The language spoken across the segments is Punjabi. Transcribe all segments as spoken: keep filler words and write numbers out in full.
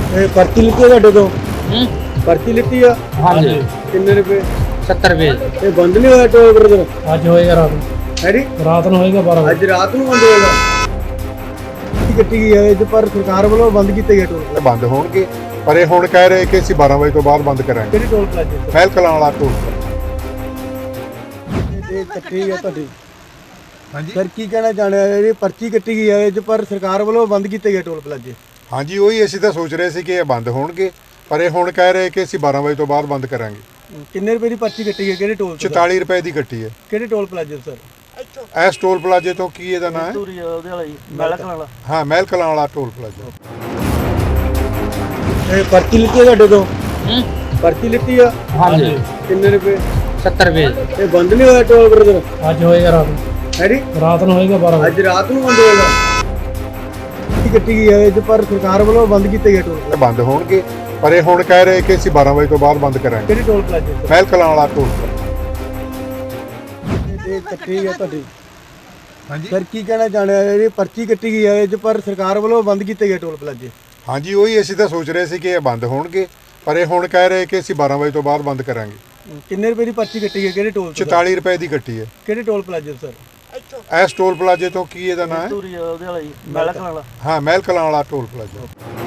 ਇਹ ਪਰਚੀ ਲਿੱਤੀ ਆ ਤੁਹਾਡੇ ਤੋਂ? ਹੂੰ ਪਰਚੀ ਲਿੱਤੀ ਆ? ਹਾਂਜੀ ਕਿੰਨੇ ਰੁਪਏ? ਸੱਤਰ ਰੁਪਏ ਇਹ ਬੰਦ ਨਹੀਂ ਹੋਇਆ ਟੋਲ ਬ੍ਰਦਰ? ਅੱਜ ਹੋਏਗਾ ਰਾਤ ਨੂੰ ਹੈ ਜੀ, ਰਾਤ ਨੂੰ ਹੋਏਗਾ ਬਾਰਾਂ ਵਜੇ ਅੱਜ ਰਾਤ ਨੂੰ ਬੰਦ ਹੋਏਗਾ। ਕੱਟੀ ਗਈ ਹੈ ਇਹ 'ਚ, ਪਰ ਸਰਕਾਰ ਵੱਲੋਂ ਬੰਦ ਕੀਤੇ ਗਏ ਟੋਲ ਪਲਾਜ਼ੇ। ਬੰਦ ਹੋਣਗੇ, ਪਰ ਇਹ ਹੁਣ ਕਹਿ ਰਹੇ ਕਿ ਅਸੀਂ ਬਾਰਾਂ ਵਜੇ ਤੋਂ ਬਾਅਦ ਬੰਦ ਕਰਾਂਗੇ। ਕਿਹੜੇ ਟੋਲ ਪਲਾਜ਼ੇ ਤੋਂ? ਮਹਿਲ ਕਲਾਂ ਵਾਲਾ ਟੋਲ ਪਲਾਜ਼ਾ। ਇਹ ਕੱਟੀ ਹੈ ਤੁਹਾਡੀ? ਹਾਂਜੀ ਸਰ ਕੀ ਕਹਿਣਾ ਚਾਹੁੰਦੇ ਆ? ਇਹ ਪਰਚੀ ਕੱਟੀ ਗਈ ਹੈ ਇਹ 'ਚ, ਪਰ ਸਰਕਾਰ ਵੱਲੋਂ ਬੰਦ ਕੀਤੇ ਗਏ ਟੋਲ ਪਲਾਜ਼ੇ। ਹਾਂਜੀ ਉਹੀ ਅਸੀਂ ਤਾਂ ਸੋਚ ਰਹੇ ਸੀ ਕਿ ਇਹ ਬੰਦ ਹੋਣਗੇ, ਪਰ ਇਹ ਹੁਣ ਕਹਿ ਰਹੇ ਕਿ ਅਸੀਂ ਬਾਰਾਂ ਵਜੇ ਤੋਂ ਬਾਅਦ ਬੰਦ ਕਰਾਂਗੇ। ਕਿੰਨੇ ਰੁਪਏ ਦੀ ਪਰਚੀ ਕੱਟੀ ਹੈ? ਕਿਹੜੇ ਟੋਲ ਤੋਂ? ਚੁਤਾਲੀ ਰੁਪਏ ਦੀ ਕੱਟੀ ਹੈ। ਕਿਹੜੇ ਟੋਲ ਪਲਾਜ਼ੇ ਤੋਂ ਸਰ? ਇਸ ਟੋਲ ਪਲਾਜ਼ੇ ਤੋਂ ਕੀ ਇਹਦਾ ਨਾਮ ਹੈ? ਉਹਦੇ ਵਾਲਾ ਜੀ, ਮਹਿਲ ਵਾਲਾ। ਹਾਂ ਮਹਿਲ ਕਲਾਂ ਵਾਲਾ ਟੋਲ ਪਲਾਜ਼ਾ। ਇਹ ਪਰਚੀ ਲਿੱਤੀ ਆ ਤੁਹਾਡੇ ਤੋਂ? ਹੂੰ ਪਰਚੀ ਲਿੱਤੀ ਆ? ਹਾਂਜੀ ਕਿੰਨੇ ਰੁਪਏ? ਸੱਤਰ ਰੁਪਏ ਇਹ ਬੰਦ ਨਹੀਂ ਹੋਇਆ ਟੋਲ ਬ੍ਰਦਰ? ਅੱਜ ਹੋਏਗਾ ਰਾਤ ਨੂੰ ਹੈ ਜੀ, ਰਾਤ ਨੂੰ ਹੋਏਗਾ ਬਾਰਾਂ ਵਜੇ ਅੱਜ ਰਾਤ ਨੂੰ ਬੰਦ ਹੋਏਗਾ। ਕੱਟੀ ਗਈ ਹੈ ਇਹ 'ਚ, ਪਰ ਸਰਕਾਰ ਵੱਲੋਂ ਬੰਦ ਕੀਤੇ ਗਏ ਟੋਲ ਇਹ ਬੰਦ ਹੋਣਗੇ, ਪਰ ਇਹ ਹੁਣ ਕਹਿ ਰਹੇ ਕਿ ਅਸੀਂ ਬਾਰਾਂ ਵਜੇ ਤੋਂ ਬਾਅਦ ਬੰਦ ਕਰਾਂਗੇ। ਕਿਹੜੇ ਟੋਲ ਪਲਾਜ਼ੇ ਤੋਂ? ਮਹਿਲ ਕਲਾਂ ਵਾਲਾ ਟੋਲ ਪਲਾਜ਼ਾ। ਇਹ ਕੱਟੀ ਹੈ ਤੁਹਾਡੀ? ਹਾਂਜੀ ਸਰ ਕੀ ਕਹਿਣਾ ਚਾਹੁੰਦੇ ਆ? ਇਹ ਪਰਚੀ ਕੱਟੀ ਗਈ ਹੈ ਇਹ 'ਚ, ਪਰ ਸਰਕਾਰ ਵੱਲੋਂ ਬੰਦ ਕੀਤੇ ਗਏ ਟੋਲ ਪਲਾਜ਼ੇ। ਹਾਂਜੀ ਉਹੀ ਅਸੀਂ ਤਾਂ ਸੋਚ ਰਹੇ ਸੀ ਕਿ ਇਹ ਬੰਦ ਹੋਣਗੇ, ਪਰ ਇਹ ਹੁਣ ਕਹਿ ਰਹੇ ਕਿ ਅਸੀਂ ਬਾਰਾਂ ਵਜੇ ਤੋਂ ਬਾਅਦ ਬੰਦ ਕਰਾਂਗੇ। ਕਿੰਨੇ ਰੁਪਏ ਦੀ ਪਰਚੀ ਕੱਟੀ ਹੈ? ਕਿਹੜੇ ਟੋਲ ਤੋਂ? ਚੁਤਾਲੀ ਰੁਪਏ ਦੀ ਕੱਟੀ ਹੈ। ਕਿਹੜੇ ਟੋਲ ਪਲਾਜ਼ੇ ਤੋਂ ਸਰ? ਇਸ ਟੋਲ ਪਲਾਜ਼ੇ ਤੋਂ ਕੀ ਇਹਦਾ ਨਾਮ ਹੈ? ਉਹਦੇ ਵਾਲਾ ਜੀ, ਮਹਿਲ ਵਾਲਾ। ਹਾਂ ਮਹਿਲ ਕਲਾਂ ਵਾਲਾ ਟੋਲ ਪਲਾਜ਼ਾ।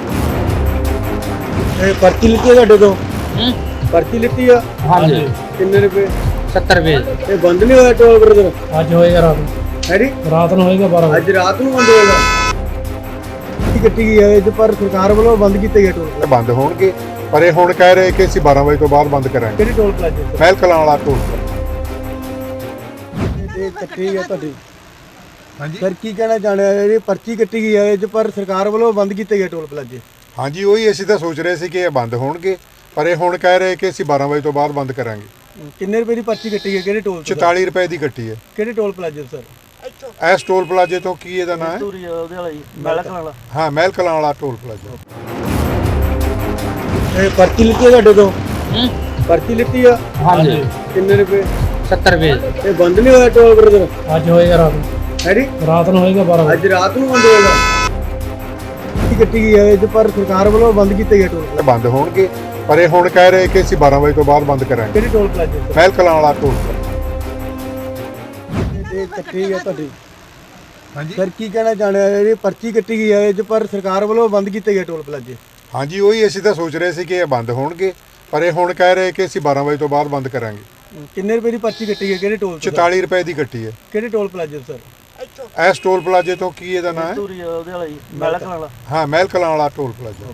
ਇਹ ਪਰਚੀ ਲਿੱਤੀ ਆ ਤੁਹਾਡੇ ਤੋਂ? ਹੂੰ ਪਰਚੀ ਲਿੱਤੀ ਆ? ਹਾਂਜੀ ਕਿੰਨੇ ਰੁਪਏ? ਸੱਤਰ ਰੁਪਏ ਇਹ ਬੰਦ ਨਹੀਂ ਹੋਇਆ ਟੋਲ ਬ੍ਰਦਰ? ਅੱਜ ਹੋਏਗਾ ਰਾਤ ਨੂੰ ਹੈ ਜੀ, ਰਾਤ ਨੂੰ ਹੋਏਗਾ ਬਾਰਾਂ ਵਜੇ ਅੱਜ ਰਾਤ ਨੂੰ ਬੰਦ ਹੋਏਗਾ। ਕੱਟੀ ਗਈ ਹੈ ਇਹ 'ਚ, ਪਰ ਸਰਕਾਰ ਵੱਲੋਂ ਬੰਦ ਕੀਤੇ ਗਏ ਟੋਲ ਇਹ ਬੰਦ ਹੋਣਗੇ, ਪਰ ਇਹ ਹੁਣ ਕਹਿ ਰਹੇ ਕਿ ਅਸੀਂ ਬਾਰਾਂ ਵਜੇ ਤੋਂ ਬਾਅਦ ਬੰਦ ਕਰਾਂਗੇ। ਕਿਹੜੇ ਟੋਲ ਪਲਾਜ਼ੇ ਤੋਂ? ਮਹਿਲ ਕਲਾਂ ਵਾਲਾ ਟੋਲ ਪਲਾਜ਼ਾ। ਇਹ ਕੱਟੀ ਹੈ ਤੁਹਾਡੀ? ਹਾਂਜੀ ਸਰ ਕੀ ਕਹਿਣਾ ਚਾਹੁੰਦੇ ਆ? ਇਹ ਪਰਚੀ ਕੱਟੀ ਗਈ ਹੈ ਇਹ 'ਚ, ਪਰ ਸਰਕਾਰ ਵੱਲੋਂ ਬੰਦ ਕੀਤੇ ਗਏ ਟੋਲ ਪਲਾਜ਼ੇ। ਹਾਂਜੀ ਉਹੀ ਅਸੀਂ ਤਾਂ ਸੋਚ ਰਹੇ ਸੀ ਕਿ ਇਹ ਬੰਦ ਹੋਣਗੇ, ਪਰ ਇਹ ਹੁਣ ਕਹਿ ਰਹੇ ਕਿ ਅਸੀਂ ਬਾਰਾਂ ਵਜੇ ਤੋਂ ਬਾਅਦ ਬੰਦ ਕਰਾਂਗੇ। ਕਿੰਨੇ ਰੁਪਏ ਦੀ ਪਰਚੀ ਕੱਟੀ ਹੈ? ਕਿਹੜੇ ਟੋਲ ਤੋਂ? ਚੁਤਾਲੀ ਰੁਪਏ ਦੀ ਕੱਟੀ ਹੈ। ਕਿਹੜੇ ਟੋਲ ਪਲਾਜ਼ੇ ਤੋਂ ਸਰ? ਇਸ ਟੋਲ ਪਲਾਜ਼ੇ ਤੋਂ ਕੀ ਇਹਦਾ ਨਾਮ ਹੈ? ਉਹਦੇ ਵਾਲਾ ਜੀ, ਮਹਿਲ ਵਾਲਾ। ਹਾਂ ਮਹਿਲ ਕਲਾਂ ਵਾਲਾ ਟੋਲ ਪਲਾਜ਼ਾ। ਇਹ ਪਰਚੀ ਲਿੱਤੀ ਆ ਤੁਹਾਡੇ ਤੋਂ? ਹੂੰ ਪਰਚੀ ਲਿੱਤੀ ਆ? ਹਾਂਜੀ ਕਿੰਨੇ ਰੁਪਏ? ਸੱਤਰ ਰੁਪਏ ਇਹ ਬੰਦ ਨਹੀਂ ਹੋਇਆ ਟੋਲ ਬ੍ਰਦਰ? ਅੱਜ ਹੋਏਗਾ ਰਾਤ ਨੂੰ ਹੈ ਜੀ, ਰਾਤ ਨੂੰ ਹੋਏਗਾ ਬਾਰਾਂ ਵਜੇ ਅੱਜ ਰਾਤ ਨੂੰ ਬੰਦ ਹੋਏਗਾ। ਕੱਟੀ ਗਈ ਹੈ ਇਹ 'ਚ, ਪਰ ਸਰਕਾਰ ਵੱਲੋਂ ਬੰਦ ਕੀਤੇ ਗਏ ਟੋਲ ਇਹ ਬੰਦ ਹੋਣਗੇ, ਪਰ ਇਹ ਹੁਣ ਕਹਿ ਰਹੇ ਕਿ ਅਸੀਂ ਬਾਰਾਂ ਵਜੇ ਤੋਂ ਬਾਅਦ ਬੰਦ ਕਰਾਂਗੇ। ਕਿਹੜੇ ਟੋਲ ਪਲਾਜ਼ੇ ਤੋਂ? ਮਹਿਲ ਕਲਾਂ ਵਾਲਾ ਟੋਲ ਪਲਾਜ਼ਾ। ਇਹ ਕੱਟੀ ਹੈ ਤੁਹਾਡੀ? ਹਾਂਜੀ ਸਰ ਕੀ ਕਹਿਣਾ ਚਾਹੁੰਦੇ ਆ? ਇਹ ਪਰਚੀ ਕੱਟੀ ਗਈ ਹੈ ਇਹ 'ਚ, ਪਰ ਸਰਕਾਰ ਵੱਲੋਂ ਬੰਦ ਕੀਤੇ ਗਏ ਟੋਲ ਪਲਾਜ਼ੇ। ਹਾਂਜੀ ਉਹੀ ਅਸੀਂ ਤਾਂ ਸੋਚ ਰਹੇ ਸੀ ਕਿ ਇਹ ਬੰਦ ਹੋਣਗੇ, ਪਰ ਇਹ ਹੁਣ ਕਹਿ ਰਹੇ ਕਿ ਅਸੀਂ ਬਾਰਾਂ ਵਜੇ ਤੋਂ ਬਾਅਦ ਬੰਦ ਕਰਾਂਗੇ। ਕਿੰਨੇ ਰੁਪਏ ਦੀ ਪਰਚੀ ਕੱਟੀ ਹੈ? ਕਿਹੜੇ ਟੋਲ ਤੋਂ? ਚੁਤਾਲੀ ਰੁਪਏ ਦੀ ਕੱਟੀ ਹੈ। ਕਿਹੜੇ ਟੋਲ ਪਲਾਜ਼ੇ ਤੋਂ ਸਰ? ਇਸ ਟੋਲ ਪਲਾਜ਼ੇ ਤੋਂ ਕੀ ਇਹਦਾ ਨਾਮ ਹੈ? ਉਹਦੇ ਵਾਲਾ ਜੀ, ਮਹਿਲ ਵਾਲਾ। ਹਾਂ ਮਹਿਲ ਕਲਾਂ ਵਾਲਾ ਟੋਲ ਪਲਾਜ਼ਾ।